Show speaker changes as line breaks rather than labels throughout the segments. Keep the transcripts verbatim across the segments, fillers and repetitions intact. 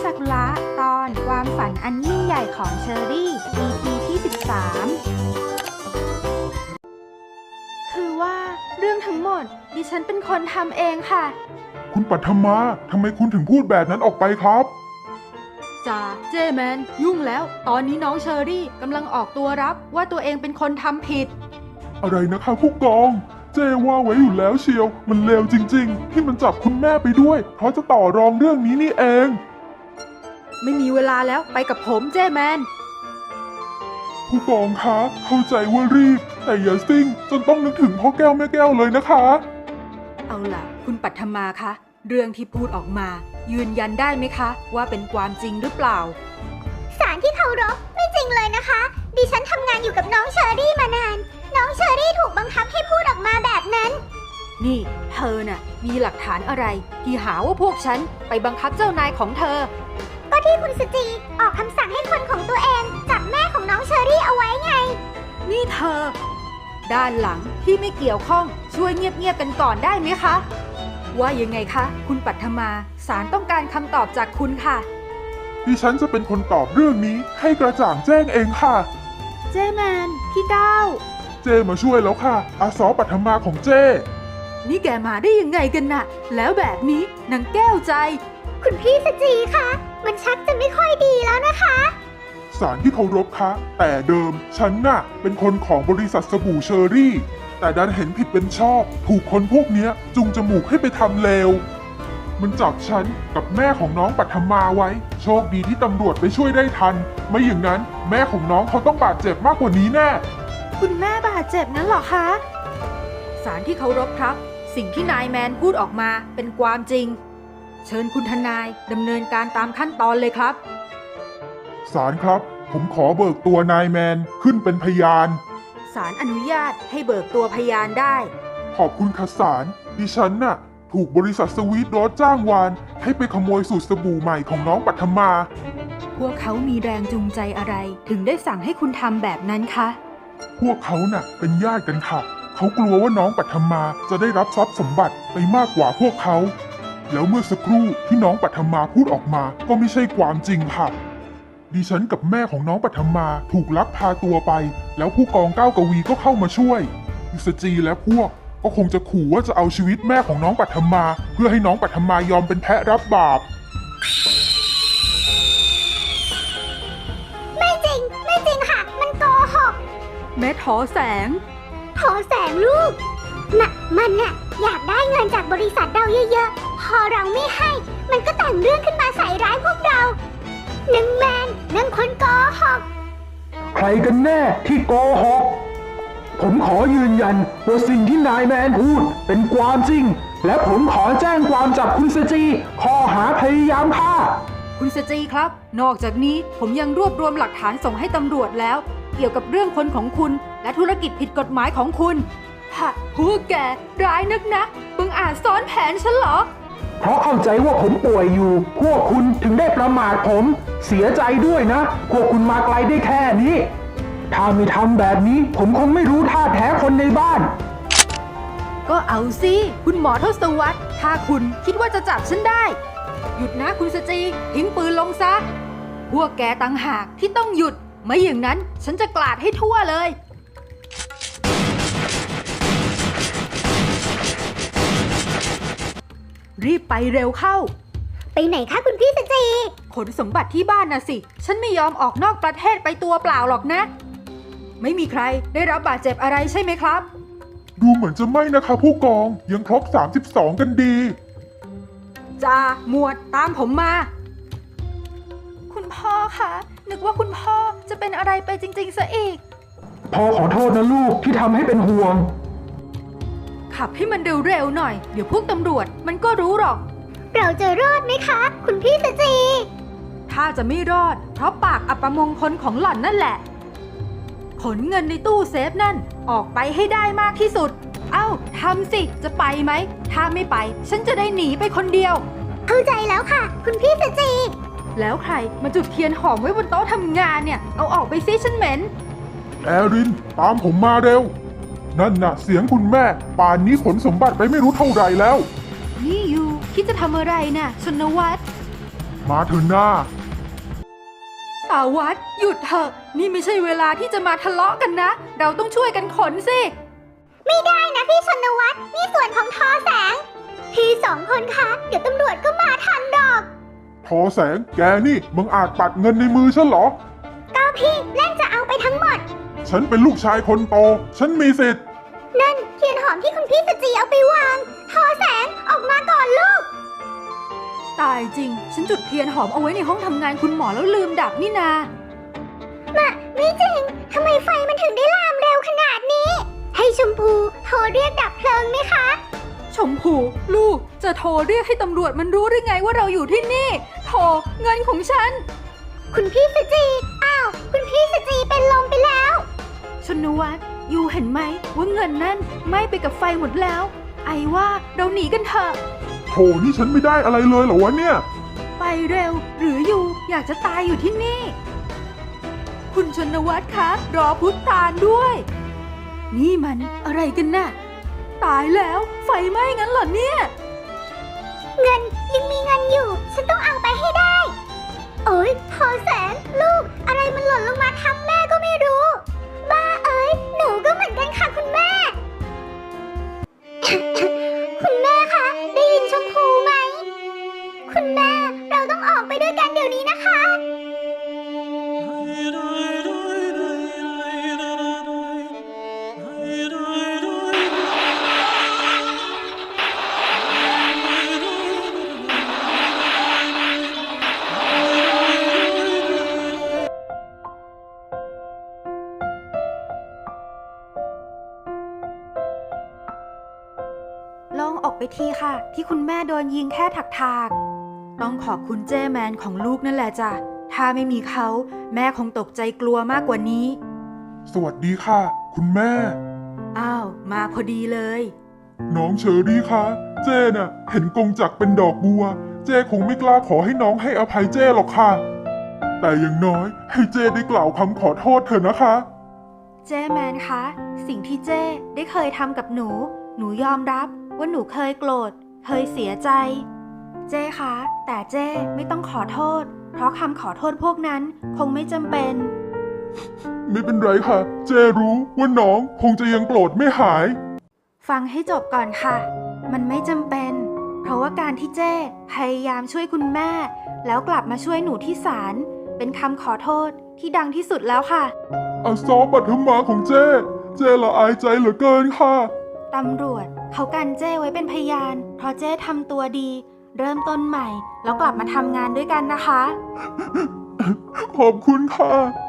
ซากุระตอนความฝันอันยิ่งใหญ่ของเชอรี่ อี พี ที่ สิบสาม คือว่าเรื่องทั้งหมดดิฉันเป็นคนทำเองค่ะ
คุณปัทมาทำไมคุณถึงพูดแบบนั้นออกไปครับ
จ่าเจแมนยุ่งแล้วตอนนี้น้องเชอรี่กำลังออกตัวรับว่าตัวเองเป็นคนทำผิด
อะไรนะคะผู้กองเจว่าไว้อยู่แล้วเชียวมันเลวจริงๆที่มันจับคุณแม่ไปด้วยเพราะจะต่อรองเรื่องนี้นี่เอง
ไม่มีเวลาแล้วไปกับผมเจแมน
ผู้กองคะเข้าใจว่ารีบแต่อย่าซิ่งจนต้องนึกถึงพ่อแก้วแม่แก้วเลยนะคะ
เอาล่ะคุณปัทมาคะเรื่องที่พูดออกมายืนยันได้ไหมคะว่าเป็นความจริงหรือเปล่า
ศาลที่เคารพไม่จริงเลยนะคะดิฉันทำงานอยู่กับน้องเชอรี่มานานน้องเชอรี่ถูกบังคับให้พูดออกมาแบบนั้น
นี่เธอน่ะมีหลักฐานอะไรที่หาว่าพวกฉันไปบังคับเจ้านายของเธอ
ก็ที่คุณสจีออกคำสั่งให้คนของตัวเองจับแม่ของน้องเชอรี่เอาไว้ไง
นี่เธอด้านหลังที่ไม่เกี่ยวข้องช่วยเงียบๆกันก่อนได้ไหมคะว่ายังไงคะคุณปัทมาศาลต้องการคำตอบจากคุณค่ะ
ดิฉันจะเป็นคนตอบเรื่องนี้ให้กระจ่างแจ้งเองค่ะ
เจแมนพี่ก้าว
เจมาช่วยแล้วค่ะอาสอปัทมาของเจ
นี่แกมาได้ยังไงกันน่ะแล้วแบบนี้นางแก้วใจ
คุณพี่สจีคะมันชักจะไม่ค่อยดีแล้วนะคะ
ศาลที่เคารพคะแต่เดิมฉันน่ะเป็นคนของบริษัทสบู่เชอรี่แต่ดันเห็นผิดเป็นชอบถูกคนพวกนี้จุงจมูกให้ไปทำเลวมันจับฉันกับแม่ของน้องปัทมาไว้โชคดีที่ตำรวจไปช่วยได้ทันไม่อย่างนั้นแม่ของน้องเขาต้องบาดเจ็บมากกว่านี้แน่
คุณแม่บาดเจ็บนั้นเหรอคะศาลที่เคารพครับสิ่งที่นายแมนพูดออกมาเป็นความจริงเชิญคุณทนายดำเนินการตามขั้นตอนเลยครับ
ศาลครับผมขอเบิกตัวนายแมนขึ้นเป็นพยาน
ศาลอนุญาตให้เบิกตัวพยานได้
ขอบคุณค่ะศาลดิฉันน่ะถูกบริษัทสวีทโรสจ้างวานให้ไปขโมยสูตรสบู่ใหม่ของน้องปัทมา
พวกเขามีแรงจูงใจอะไรถึงได้สั่งให้คุณทำแบบนั้นคะ
พวกเขาน่ะเป็นญาติกันค่ะเขากลัวว่าน้องปัทมาจะได้รับทรัพย์สมบัติไปมากกว่าพวกเขาแล้วเมื่อสักครู่ที่น้องปัทมาพูดออกมาก็ไม่ใช่ความจริงค่ะดิฉันกับแม่ของน้องปัทมาถูกลักพาตัวไปแล้วผู้กองก้าวกวีก็เข้ามาช่วยยุสจีและพวกก็คงจะขู่ว่าจะเอาชีวิตแม่ของน้องปัทมาเพื่อให้น้องปัทมายอมเป็นแพะรับบาป
ไม่จริงไม่จริงค่ะมันโกหก
แม่ทอแสง
ทอแสงลูกน่ะมันน่ะอยากได้เงินจากบริษัทเราเยอะๆพอเราไม่ให้มันก็แต่งเรื่องขึ้นมาใส่ร้ายพวกเรานางแมนนางคนโกหก
ใครกันแน่ที่โกหกผมขอยืนยันว่าสิ่งที่นายแมนพูดเป็นความจริงและผมขอแจ้งความจับคุณสจีข้อหาพยายามฆ่า
คุณสจีครับนอกจากนี้ผมยังรวบรวมหลักฐานส่งให้ตำรวจแล้วเกี่ยวกับเรื่องคนของคุณและธุรกิจผิดกฎหมายของคุณฮะพวกแกร้ายนักนะมึงอาจซ้อนแผนฉันเหรอ
เพราะเข้าใจว่าผมป่วยอยู่พวกคุณถึงได้ประมาทผมเสียใจด้วยนะพวกคุณมาไกลได้แค่นี้ถ้าไม่ทำแบบนี้ผมคงไม่รู้ท่าแท้คนในบ้าน
ก็เอาสิคุณหมอทศวรรษถ้าคุณคิดว่าจะจับฉันได้หยุดนะคุณสจีทิ้งปืนลงซะพวกแกต่างหากที่ต้องหยุดไม่อย่างนั้นฉันจะกลาดให้ทั่วเลยรีบไปเร็วเข้า
ไปไหนคะคุณพี่สจี
ขนสมบัติที่บ้านน่ะสิฉันไม่ยอมออกนอกประเทศไปตัวเปล่าหรอกนะไม่มีใครได้รับบาดเจ็บอะไรใช่ไหมครับ
ดูเหมือนจะไม่นะคะผู้กองยังครบสามสิบสองกันดี
จ่าหมวดตามผมมาคุณพ่อคะนึกว่าคุณพ่อจะเป็นอะไรไปจริงๆซะอีก
พ่อขอโทษนะลูกที่ทำให้เป็นห่วง
ขับให้มันเร็วๆหน่อยเดี๋ยวพวกตำรวจมันก็รู้หรอก
เราจะรอดไหมคะคุณพี่สจี
ถ้าจะไม่รอดเพราะปากอัปมงคลของหล่อนนั่นแหละขนเงินในตู้เซฟนั่นออกไปให้ได้มากที่สุดเอ้าทำสิจะไปไหมถ้าไม่ไปฉันจะได้หนีไปคนเดียว
เข้าใจแล้วค่ะคุณพี่สจี
แล้วใครมาจุดเทียนหอมไว้บนโต๊ะทำงานเนี่ยเอาออกไปซิฉันเหม็น
แอรินตามผมมาเร็วนั่นน่ะเสียงคุณแม่ป่านนี้ขนสมบัติไปไม่รู้เท่าไหร่แล้ว
นี่ยูคิดจะทำอะไรน่ะชนวัตร
มาเถอะหน้า
ตาวัดหยุดเถอะนี่ไม่ใช่เวลาที่จะมาทะเลาะกันนะ เราต้องช่วยกันขนสิ
ไม่ได้นะพี่ชนวัฒน์นี่ส่วนของทอแสง พี่สองคนคะเดี๋ยวตำรวจก็มาทันดอก
ทอแสงแกนี่มึงอาจปัดเงินในมือฉันเหรอ
ก็พี่เล่นจะเอาไปทั้งหมด
ฉันเป็นลูกชายคนโต ฉันมีสิทธิ์
นั่นเทียนหอมที่คุณพี่สจีเอาไปวาง ทอแสงออกมาก่อนลูก
ตายจริง ฉันจุดเทียนหอมเอาไว้ในห้องทำงานคุณหมอแล้วลืมดับนี่นา
มาไม่จริง ทำไมไฟมันถึงได้ลามเร็วขนาดนี้ ให้ชมพูโทรเรียกดับเพลิงไหมคะ
ชมพูลูกจะโทรเรียกให้ตำรวจมันรู้ได้ไงว่าเราอยู่ที่นี่โทรเงินของฉัน
คุณพี่สจี อ้าว คุณพี่สจีเป็นลมไปแล้ว
ชนวัฒน์ยูเห็นไหมว่าเงินนั่นไหม้ไปกับไฟหมดแล้ว ไอว่าเราหนีกันเถอะ
โถนี่ฉันไม่ได้อะไรเลยเหรอวะเนี่ย
ไปเร็ว หรือยูอยากจะตายอยู่ที่นี่ คุณชนวัฒน์คะรอพุทธตาลด้วย นี่มันอะไรกันน่ะ ตายแล้วไฟไหม้งั้นเหรอเนี่ย
เงินยังมีเงินอยู่ ฉันต้องเอาไปให้ได้ โอ๊ยพอแสนลูก อะไรมันหล่นลงมาทำแม่ก็ไม่รู้ บ้าเอ้ย หนูก็เหมือนกันค่ะคุณแม่ คุณแม่คะ ได้ยินชมพูไหม คุณแม่ เราต้องออกไปด้วยกันเดี๋ยวนี้นะคะ
ลองออกไปทีค่ะ ที่คุณแม่โดนยิงแค่ถักๆต้องขอบคุณเจ้แมนของลูกนั่นแหละจ้ะถ้าไม่มีเขาแม่คงตกใจกลัวมากกว่านี้
สวัสดีค่ะ คุณแม่
อ้าวมาพอดีเลย
น้องเชอรี่คะเจ้น่ะ เห็นกงจักรเป็นดอกบัว เจ้คงไม่กล้าขอให้น้องให้อภัยเจ้หรอกค่ะ แต่อย่างน้อยให้เจ้ได้กล่าวคำขอโทษเถอะนะคะ
เจ้แมนคะสิ่งที่เจ้ได้เคยทำกับหนู หนูยอมรับว่าหนูเคยโกรธเคยเสียใจ เจ้คะแต่เจ้ไม่ต้องขอโทษ เพราะคำขอโทษพวกนั้นคงไม่จำเป็น
ไม่เป็นไรค่ะ เจ้รู้ว่าน้องคงจะยังโกรธไม่หาย
ฟังให้จบก่อนค่ะ มันไม่จำเป็น เพราะว่าการที่เจ้พยายามช่วยคุณแม่ แล้วกลับมาช่วยหนูที่ศาลเป็นคำขอโทษที่ดังที่สุดแล้วค่ะ
อาซอปัทมาของเจ้ เจ้ละอายใจเหลือเกินค่ะ
ตำรวจเขากันเจ้ไว้เป็นพยาน เพราะเจ้ทำตัวดี เริ่มต้นใหม่ แล้วกลับมาทำงานด้วยกันนะคะ
ขอบคุณค่ะ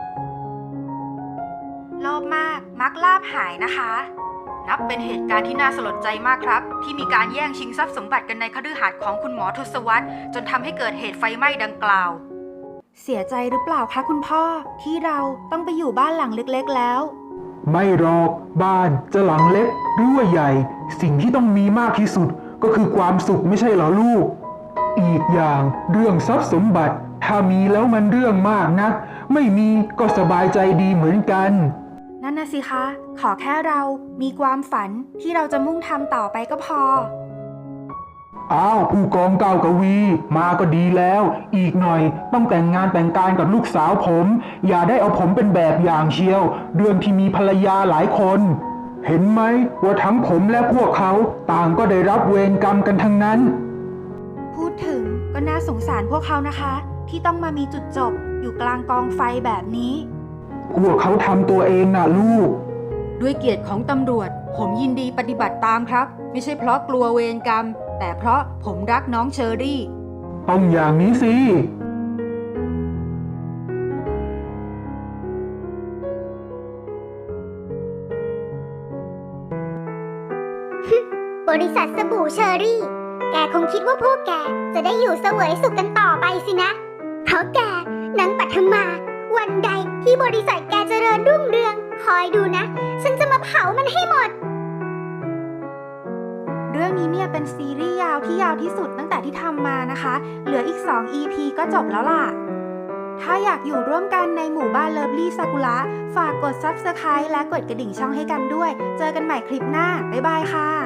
โลภมากมักลาภหายนะคะ นับเป็นเหตุการณ์ที่น่าสลดใจมากครับ ที่มีการแย่งชิงทรัพย์สมบัติกันในคฤหาสน์ของคุณหมอทศวรรษจนทำให้เกิดเหตุไฟไหม้ดังกล่าว เสียใจหรือเปล่าคะคุณพ่อที่เราต้องไปอยู่บ้านหลังเล็กๆแล้ว
ไม่หรอกบ้านจะหลังเล็กหรือว่าใหญ่ สิ่งที่ต้องมีมากที่สุดก็คือความสุขไม่ใช่เหรอลูก อีกอย่างเรื่องทรัพย์สมบัติ ถ้ามีแล้วมันเรื่องมากนัก ไม่มีก็สบายใจดีเหมือนกัน
นั่นนะสิคะ ขอแค่เรามีความฝันที่เราจะมุ่งทำต่อไปก็พอ
อ้าวผู้กองเก่ากวี มาก็ดีแล้ว อีกหน่อยต้องแต่งงานแต่งการกับลูกสาวผม อย่าได้เอาผมเป็นแบบอย่างเชียว เรื่องที่มีภรรยาหลายคน เห็นไหมว่าทั้งผมและพวกเขาต่างก็ได้รับเวรกรรมกันทั้งนั้น
พูดถึงก็น่าสงสารพวกเขานะคะ ที่ต้องมามีจุดจบอยู่กลางกองไฟแบบนี้
พวกเขาทำตัวเองน่ะลูก
ด้วยเกียรติของตำรวจ ผมยินดีปฏิบัติตามครับ ไม่ใช่เพราะกลัวเวรกรรม แต่เพราะผมรักน้องเชอรี่
ต้องอย่างนี้สิ
บริษัทสบู่เชอรี่ แกคงคิดว่าพวกแกจะได้อยู่เสวยสุขกันต่อไปสินะ เพราะแกนางปัทมา วันใดที่บริษัทแกเจริญรุ่งเรือง คอยดูนะ ฉันจะมาเผามันให้หมด
เรื่องนี้เนี่ยเป็นซีรีส์ยาวที่ยาวที่สุดตั้งแต่ที่ทำมานะคะ เหลืออีก สอง อี พี ก็จบแล้วล่ะ ถ้าอยากอยู่ร่วมกันในหมู่บ้านเลิฟลี่ซากุระฝากกด ซับสไครบ์ และกดกระดิ่งช่องให้กันด้วย เจอกันใหม่คลิปหน้า บ๊ายบายค่ะ